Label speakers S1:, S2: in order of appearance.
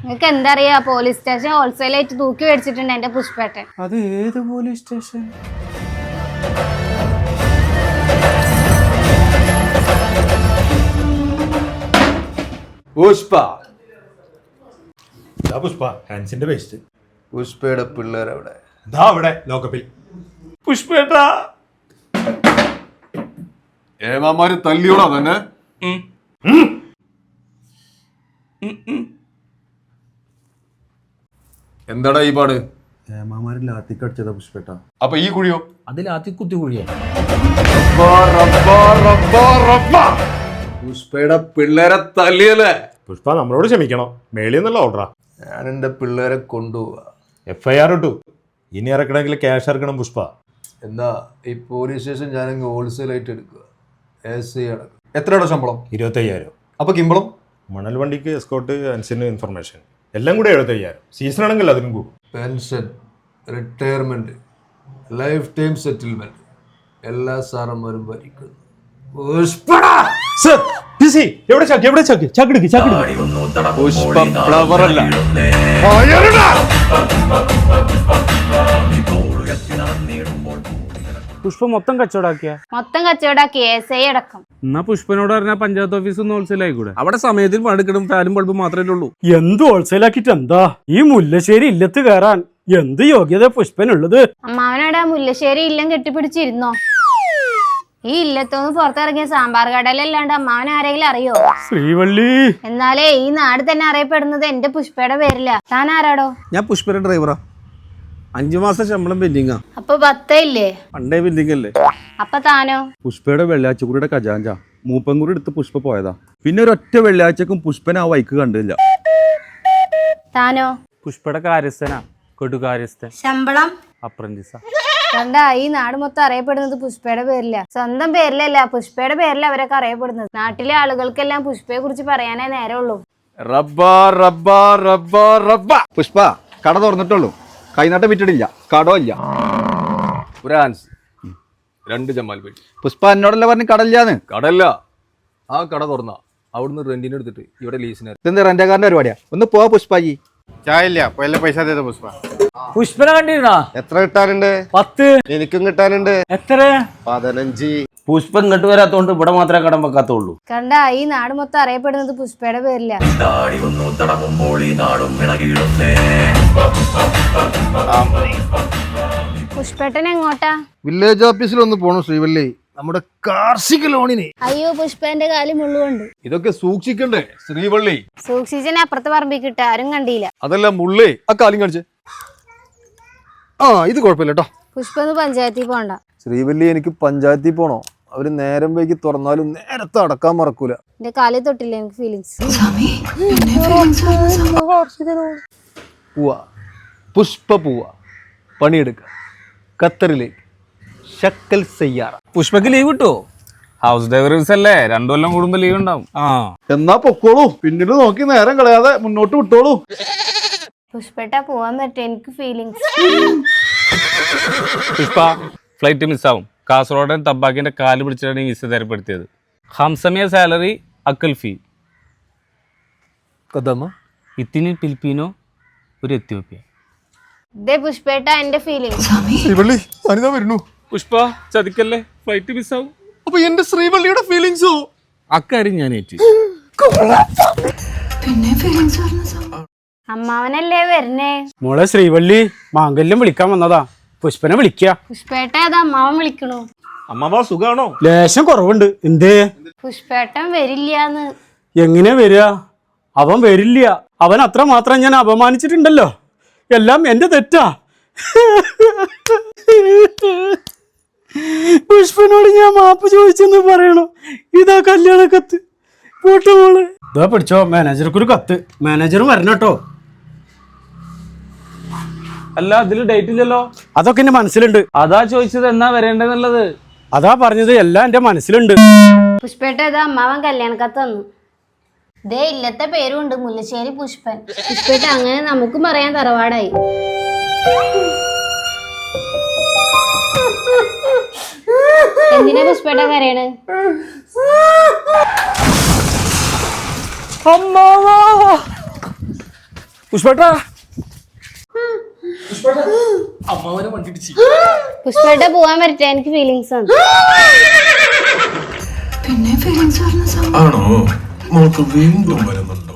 S1: നിങ്ങൾക്ക് എന്താ അറിയാ, പോലീസ് സ്റ്റേഷൻ ഹോൾസെയിൽ ആയിട്ട് തൂക്കി മേടിച്ചിട്ടുണ്ട് എന്റെ പുഷ്പേട്ടൻ.
S2: അത് ഏത് പോലീസ് സ്റ്റേഷൻ?
S3: പുഷ്പ
S4: പുഷ്പ ഹാൻസിന്റെ പേസ്റ്റ്.
S3: പുഷ്പയുടെ പിള്ളേരവിടെ
S4: അവിടെ ലോകപ്പിൽ. പുഷ്പേട്ടാ
S3: ഏമാമാര് തല്ലിയോടാ തന്നെ. എന്താടാ ഈ പാട്?
S2: ഏമാമാരിൽ ലാത്തിക്കടിച്ചതാ പുഷ്പേട്ട.
S3: അപ്പൊ ഈ കുഴിയോ?
S2: അത് ലാത്തി കുത്തി കുഴിയാ.
S3: പുഷ്പയുടെ പിള്ളേരെ തല്ലിയല്ലേ?
S4: പുഷ്പ നമ്മളോട് ക്ഷമിക്കണം, മേളിൽ നിന്നുള്ള ഓർഡറാ.
S3: ഞാൻ എന്റെ പിള്ളേരെ കൊണ്ടുപോവാ.
S4: FIR ഇട്ടു, ഇനി ഇറക്കണമെങ്കിൽ ക്യാഷ് ഇറക്കണം പുഷ്പ.
S3: എന്താ ഈ പോലീസ് സ്റ്റേഷൻ ഞാനങ്ങ് ഹോൾസെയിൽ ആയിട്ട് എടുക്കുക. എത്രയുടെ ശമ്പളം?
S4: 25,000.
S3: അപ്പൊ കിമ്പളം?
S4: മണൽ വണ്ടിക്ക് എസ്കോട്ട്, ഹാൻസിന് ഇൻഫർമേഷൻ എല്ലാം കൂടെ 75,000. സീസൺ ആണെങ്കിൽ അതിനും കൂടും.
S3: Pension, retirement, life time settlement എല്ലാ സാറന്മാരും ഭരിക്കുന്നു. പുഷ്പ ഫ്ലവർ അല്ല.
S5: പുഷ്പ മൊത്തം കച്ചവടാക്കിയ
S1: SI അടക്കം.
S5: എന്നാ പുഷ്പനോട് പറഞ്ഞാൽ പഞ്ചായത്ത് ഓഫീസ് ഒന്ന് ഹോൾസെയിൽ ആയിക്കൂടെ? അവിടെ സമയത്തിന് പണിക്കെടും, ഫാനും ബൾബും മാത്രമേ ഉള്ളൂ.
S6: എന്ത് ഹോൾസെയിൽ ആക്കിട്ട് എന്താ? ഈ മുല്ലശ്ശേരി ഇല്ലത്ത് കയറാൻ എന്ത് യോഗ്യത പുഷ്പനുള്ളത്?
S1: അമ്മാവനോടെ മുല്ലശ്ശേരി ഇല്ലം കെട്ടിപ്പിടിച്ചിരുന്നോ? ഈ ഇല്ലത്തൊന്ന് പുറത്തിറങ്ങിയ സാമ്പാർ കടലല്ലാണ്ട് അമ്മാവൻ ആരെങ്കിലും അറിയോ?
S6: ശ്രീവള്ളി.
S1: എന്നാലേ ഈ നാട് തന്നെ അറിയപ്പെടുന്നത് എന്റെ പുഷ്പയുടെ പേരില്ല. താൻ ആരാടോ?
S5: ഞാൻ പുഷ്പയുടെ ഡ്രൈവറാ. 5 മാസം ശമ്പളം പെൻഡിങ്ങാ.
S1: അപ്പൊ 10 ഇല്ലേ?
S5: പണ്ടേ പെൻഡിങ് അല്ലേ?
S1: അപ്പൊ താനോ?
S2: പുഷ്പയുടെ വെള്ളിയാഴ്ചക്കുറിയുടെ ഖജാഞ്ച മൂപ്പൻകുറി എടുത്ത് പുഷ്പ പോയതാ. പിന്നെ ഒരൊറ്റ വെള്ളിയാഴ്ചക്കും പുഷ്പനെ ആ വൈക്ക് കണ്ടില്ല.
S1: താനോ?
S5: പുഷ്പയുടെ കാര്യസ്ഥനാ, കൊടുകാര്യസ്ഥൻ.
S1: ശമ്പളം?
S5: അപ്രന്റീസാ.
S1: കണ്ട, ഈ നാട് മൊത്തം അറിയപ്പെടുന്നത് പുഷ്പയുടെ പേരില്ല. സ്വന്തം പേരിലല്ല, പുഷ്പയുടെ പേരില അവരൊക്കെ അറിയപ്പെടുന്നത്. നാട്ടിലെ ആളുകൾക്കെല്ലാം പുഷ്പയെ കുറിച്ച് പറയാനേ നേരമുള്ളൂ.
S2: പുഷ്പ കട തുറന്നിട്ടുള്ളൂ, കൈനാട്ടം വിറ്റിട്ടില്ല, കടോ ഇല്ല.
S3: ഒരു ആൻസ്, 2 ജമാൽ പേട്ടി.
S2: പുഷ്പ എന്നോടല്ല പറഞ്ഞ് കടയില്ലാന്ന്.
S3: കടല്ല, ആ കട തുറന്ന അവിടുന്ന് റെന്റിന് എടുത്തിട്ട് ഇവിടെ ലീസിന്.
S2: ഇതെന്താ റെന്റക്കാരന്റെ പരിപാടിയാ? ഒന്ന് പോവാ പുഷ്പാജി.
S7: ചായല്ല പൈസ തേത പുഷ്പ.
S5: പുഷ്പനെ കണ്ടിരുന്നാ?
S7: എത്ര കിട്ടാനുണ്ട്?
S5: 10.
S7: എനിക്കും കിട്ടാനുണ്ട്.
S5: എത്ര?
S7: 15.
S5: പുഷ്പം ഇങ്ങോട്ട് വരാത്തോണ്ട് ഇവിടെ മാത്രമേ കടം വെക്കാത്തുള്ളൂ.
S1: കണ്ട, ഈ നാട് മൊത്തം അറിയപ്പെടുന്നത് പുഷ്പയുടെ പേരില്ല. പുഷ്പേട്ടൻ എങ്ങോട്ടാ?
S7: വില്ലേജ് ഓഫീസിൽ ഒന്ന് പോണു ശ്രീവല്ലി, നമ്മുടെ കാർഷിക ലോണിന്.
S1: അയ്യോ, പുഷ്പേന്റെ കാലി മുള്ളുകൊണ്ട്.
S3: ഇതൊക്കെ സൂക്ഷിക്കണ്ടേ ശ്രീവള്ളി?
S1: സൂക്ഷിച്ചനെ അപ്പുറത്ത് പറമ്പിക്കിട്ട് ആരും കണ്ടില്ല.
S3: അതല്ല മുള്ളേ, ആ കാലും കാണിച്ച്.
S7: ഇത് കുഴപ്പമില്ല കേട്ടോ.
S1: പുഷ്പന്ന് പഞ്ചായത്തിൽ പോണ്ട.
S2: ശ്രീവല്ലി, എനിക്ക് പഞ്ചായത്തിൽ പോണോ? അവര് നേരം വൈകി തുറന്നാലും നേരത്തെ അടക്കാൻ മറക്കൂല.
S1: എന്റെ കാലി തൊട്ടില്ല എനിക്ക് ഫീലിങ്സ്.
S3: പോവാ പുഷ്പ, പോവാ പണിയെടുക്ക ഖത്തറിലേക്ക്. ശക്കൽ സയ്യാറ.
S5: പുഷ്പക്ക് ലീവ് കിട്ടുമോ? ഹൗസ് ഡ്രൈവേഴ്സ് അല്ലേ, 2 കൊല്ലം കൂടുമ്പോ ലീവ് ഉണ്ടാവും.
S7: എന്നാ പൊക്കോളൂ, പിന്നീട് നോക്കി നേരം കളയാതെ മുന്നോട്ട് വിട്ടോളൂ.
S1: പുഷ്പേട്ട പോവാൻ പറ്റും, എനിക്ക് ഫീലിങ്സ്.
S5: പുഷ്പ ഫ്ലൈറ്റ് മിസ്സാവും. കാസർഗോഡൻ തബ്ബാക്കിന്റെ കാല് പിടിച്ചിട്ടാണ് ഈ വിസ തരപ്പെടുത്തിയത്. ഹംസമിയ സാലറി, അക്കൽ ഫീ. ഇത്തിനി ഫിലിപ്പീനോ, ഒരു എത്യോപ്യ.
S1: ദേ പുഷ്പേട്ട എന്റെ ഫീലിങ്സ്.
S3: ശ്രീവള്ളി, ഞാനിതാ വരുന്നു.
S5: പുഷ്പ ചതിക്കല്ലേ, ഫ്ലൈറ്റ് മിസ്സാവും.
S3: അപ്പൊ എന്റെ ശ്രീവള്ളിയുടെ ഫീലിങ്സോ?
S5: അക്കാര്യം ഞാൻ ഏറ്റി.
S1: അമ്മാവനല്ലേ വരണേ?
S6: മോളെ ശ്രീവള്ളി, മാംഗല്യം വിളിക്കാൻ വന്നതാ. പുഷ്പനെ വിളിക്ക.
S1: പുഷ്പേട്ട അത് അമ്മാവൻ വിളിക്കണു.
S4: അമ്മാവ സുഖാണോ?
S6: ലേശം കുറവുണ്ട്. എന്തേ?
S1: പുഷ്പേട്ടൻ വരില്ലാന്ന്.
S6: എങ്ങനെ വരിക? അവൻ വരില്ല. അവൻ അത്ര മാത്രം ഞാൻ അപമാനിച്ചിട്ടുണ്ടല്ലോ. എല്ലാം എന്റെ തെറ്റാ. പുഷ്പനോട് ഞാൻ മാപ്പ് ചോദിച്ചെന്ന് പറയണോ? ഇതാ കല്യാണ കത്ത്. പോട്ടെ മോള്. ഇതാ പിടിച്ചോ, മാനേജർക്കൊരു കത്ത്. മാനേജർ വരണം കേട്ടോ.
S5: അല്ല, അതില് ഡേറ്റ് ഇല്ലല്ലോ.
S6: അതൊക്കെ എന്റെ മനസ്സിലുണ്ട്.
S5: അതാ ചോദിച്ചത് എന്നാ വരേണ്ടതെന്നുള്ളത്.
S6: അതാ പറഞ്ഞത്, എല്ലാം എന്റെ മനസ്സിലുണ്ട്.
S1: പുഷ്പേട്ട ഇതാ അമ്മാവൻ കല്യാണ കത്ത് തന്നു. ദേ ഇല്ലത്തെ പേരുണ്ട്, മുല്ലശ്ശേരി പുഷ്പൻ. പുഷ്പേട്ട അങ്ങനെ നമുക്കും പറയാൻ തറവാടായി. എന്തിനാ പുഷ്പേട്ട കരയണ്?
S8: പുഷ്പേട്ടാ
S1: പുഷ്പേട്ട പോവാൻ പറ്റേ, എനിക്ക് ഫീലിങ്സ് ആണ്.
S9: ആണോ? മോൾക്ക് വീണ്ടും വരുന്നുണ്ടോ?